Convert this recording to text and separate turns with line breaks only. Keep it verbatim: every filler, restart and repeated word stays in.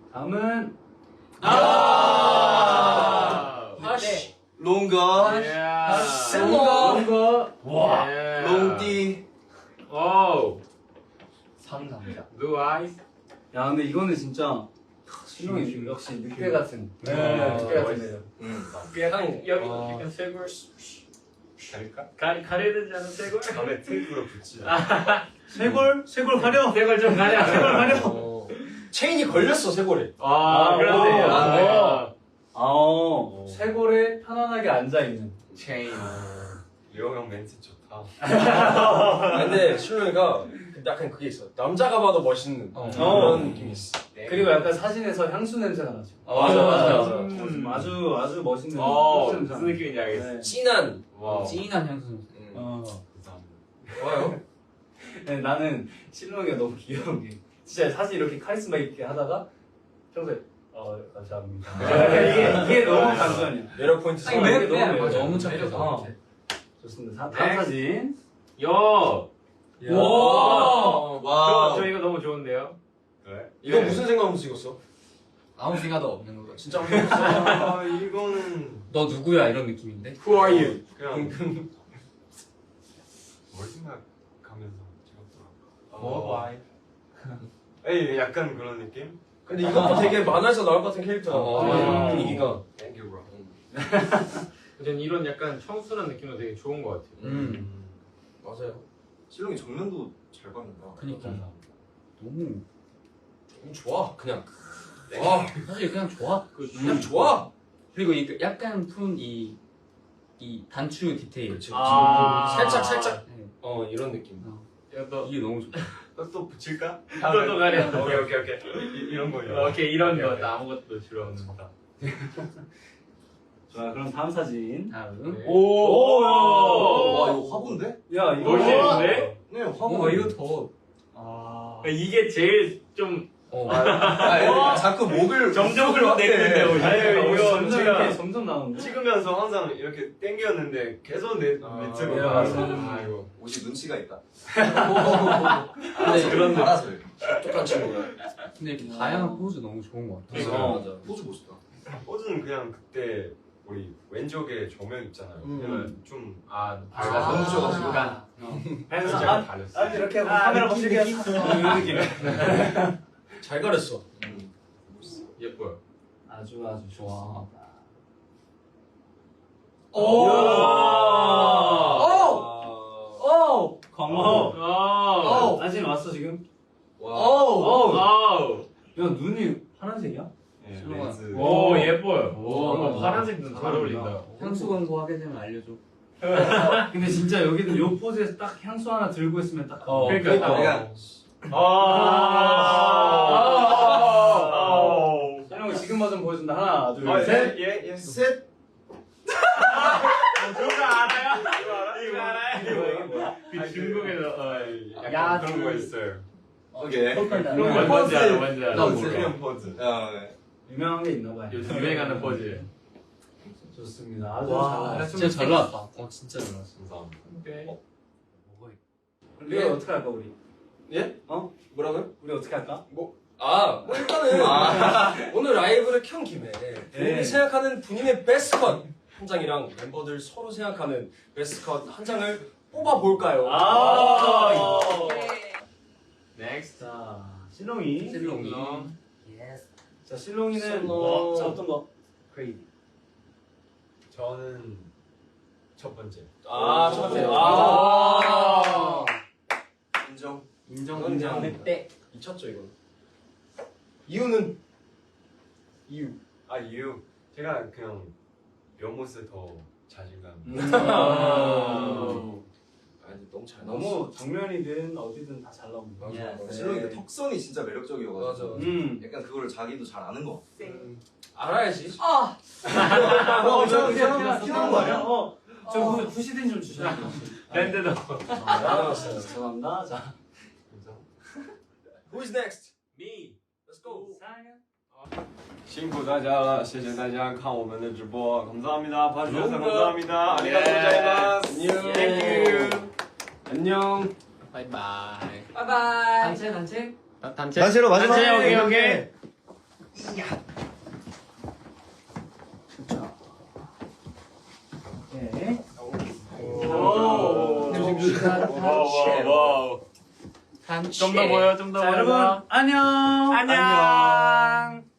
다음은
아
하시
롱거
롱거 롱거
와
롱띠
오
산 남자.
blue eyes
야 근데 이거는 진짜 신동이 역시 늑대 같은
네,
늑대 같은
멋있어.
매력.
응
약간 여기
어.
약간 쇄골
갈까?
가 가려되지 않은 쇄골
다음에 테이프로 붙이자
쇄골 쇄골 가려.
쇄골 좀 가려
쇄골 가려.
어. 체인이 걸렸어 쇄골에.
아 그러네
오.
아,
아 쇄골에 편안하게 앉아 있는.
체인
리오 형 멘트 좋다
근데 신동이가 약간 그게 있어. 남자가 봐도 멋있는
어.
그런 느낌이 있어.
그리고 약간 사진에서 향수 냄새가 나죠.
어, 맞아, 맞아,
맞아.
음.
아주 아주 멋있는
어
향수 냄새.
무슨 느낌인지 알겠어
네.
진한.
와
찐한 향수.
음.
어.
감사합니다
좋아요.
네, 나는 실롱이가 너무 귀여운 게 진짜 사실 이렇게 카리스마 있게 하다가 평소에 어 감사합니다. 이게 이게 너무 단순이야.
매력 포인트.
아니,
사.
매-
네,
너무
맞아.
매력.
너무 착해서.
어. 좋습니다. 사, 다음
네.
사진.
요
와.
와
저, 저 이거 너무 좋은데요
그래?
이거 무슨 생각하면서 찍었어?
아무 생각도 없는 거죠.
진짜 한번 해봤어.
아 이거는
너 누구야 이런 느낌인데?
Who are you
그냥 뭘 생각하면서 찍었더라
뭐?
에이 약간 그런 느낌?
근데 이것도 되게 만화에서 나올 것 같은 캐릭터야.
어.
분위기가.
Thank you bro
전 이런 약간 청순한 느낌도 되게 좋은 것 같아요
음.
맞아요.
실롱이 정면도 잘 받는다
그니까. 너무.
음, 좋아. 그냥. 와.
사실 그냥 좋아.
그냥 좋아.
그리고 이 약간 푼 이 이 단추 디테일.
그렇지.
아.
살짝 살짝.
네.
어 이런 느낌.
이것도
이게 너무 좋다.
또, 또 붙일까?
또, 또 가려.
오케이 오케이 오케이 이, 이런 거요
오케이 이런
오케이,
거
오케이.
아무것도 필요 없는 거
자 그럼 다음 사진.
다음.
네.
오.
와 이거 화분데?
야 이거
멋있는데?
네
어 이거 더.
아.
이게 제일 좀
어.
아, 자꾸 목을
점점
목을
내리는데
확대.
오히려.
아유,
이거
점점
제가
이렇게 점점 나오는데.
찍으면서 항상 이렇게 당겼는데 계속 내
아,
밑으로
네,
가서
맞아요.
아이고 옷이 눈치가 있다
근데
그런 알아서 이렇게
똑똑한 친구야.
근데 이렇게 다양한 포즈 너무 좋은 것 같아.
어.
맞아.
포즈 멋있다 포즈는 그냥 그때 우리 왼쪽에 조명 있잖아요
음.
그냥 좀
아,
아,
밝아서
너무 좋아가지고.
약간
그래서
살짝
아,
가렸어
아 이렇게 하고
아,
카메라
느낌,
보시게
느낌.
이런 느낌.
잘 가렸어.
예뻐요.
아주 아주 좋아.
오.
오. 오. 광호.
오.
사진 왔어 지금?
와.
오.
와우.
야 눈이 파란색이야?
네,
실롱아.
렌즈
오, 예뻐요.
오.
오, 파란색 눈 잘 어울린다.
향수 광고 하게 되면 알려줘.
근데 진짜 여기는 요 포즈에서 딱 향수 하나 들고 있으면 딱.
어,
그러니까.
내가
아.
촬영 지금 버전 보여준다. 하나, 둘,
아,
셋.
예, 예, 셋.
이거 알아요? 이거 알아요?
이거 이게 뭐야?
그 중국에서 어, 약간
야,
그런 거 있어요.
오케이.
그런 거
그런
뭔지 알아,
포즈.
뭔지 알아.
나
포즈,
몰라.
그냥 포즈. 아, 네.
유명한 게 있나 봐요.
요즘 유행하는 포즈.
좋습니다. 아주
와,
잘 나왔어.
진짜 잘 나왔다. 어, 진짜 잘 나왔어.
감사합니다.
오케이.
우리 어떻게 할까 우리?
예?
어?
뭐라고요?
우리 어떻게 할까?
아, 뭐 일단은 오늘 라이브를 켠 김에 본인이 생각하는 본인의 베스트 컷 한 장이랑 멤버들 서로 생각하는 베스트 컷 한 장을 뽑아 볼까요?
아.
넥스트.
자, 실롱이.
실롱이.
자, 실롱이는
실롱.
뭐, 자, 어떤 거? 크레이지.
저는 첫 번째.
아, 첫 번째.
아.
아.
인정.
인정,
이건
인정.
그냥 때 미쳤죠 이거. 이유는 이유.
아, 이유. 제가 그냥 연못에 더 자신감.
아.
아니 너무 잘 나왔어.
너무 정면이든 어디든 다 잘 나옵니다.
맞아.
네.
실롱이 그 턱선이 진짜 매력적이어가지고.
맞아.
음.
약간 그거를 자기도 잘 아는 거.
음, 알아야지.
아.
어,
저
저
그냥
그냥
피나는 거 아니야? 어. 저 후- 후시딘 좀 주셔야 돼요.
밴드도.
알았어요. 죄송합니다. 자.
Who is next?
Me.
Let's go.
辛苦大家了，谢谢大家看我们的直播，감사합니다。 봐주셔서
너무
감사합니다.
예.
아리가또 고자이마스.
안녕.
Thank you. 안녕.
바이바이.
바이바이.
단체, 단체?
단체.
단체로 마지막.
단체, 오케이, 오케이.
와와와.
단추.
좀 더 보여, 좀 더
자
보여.
여러분 안녕.
안녕.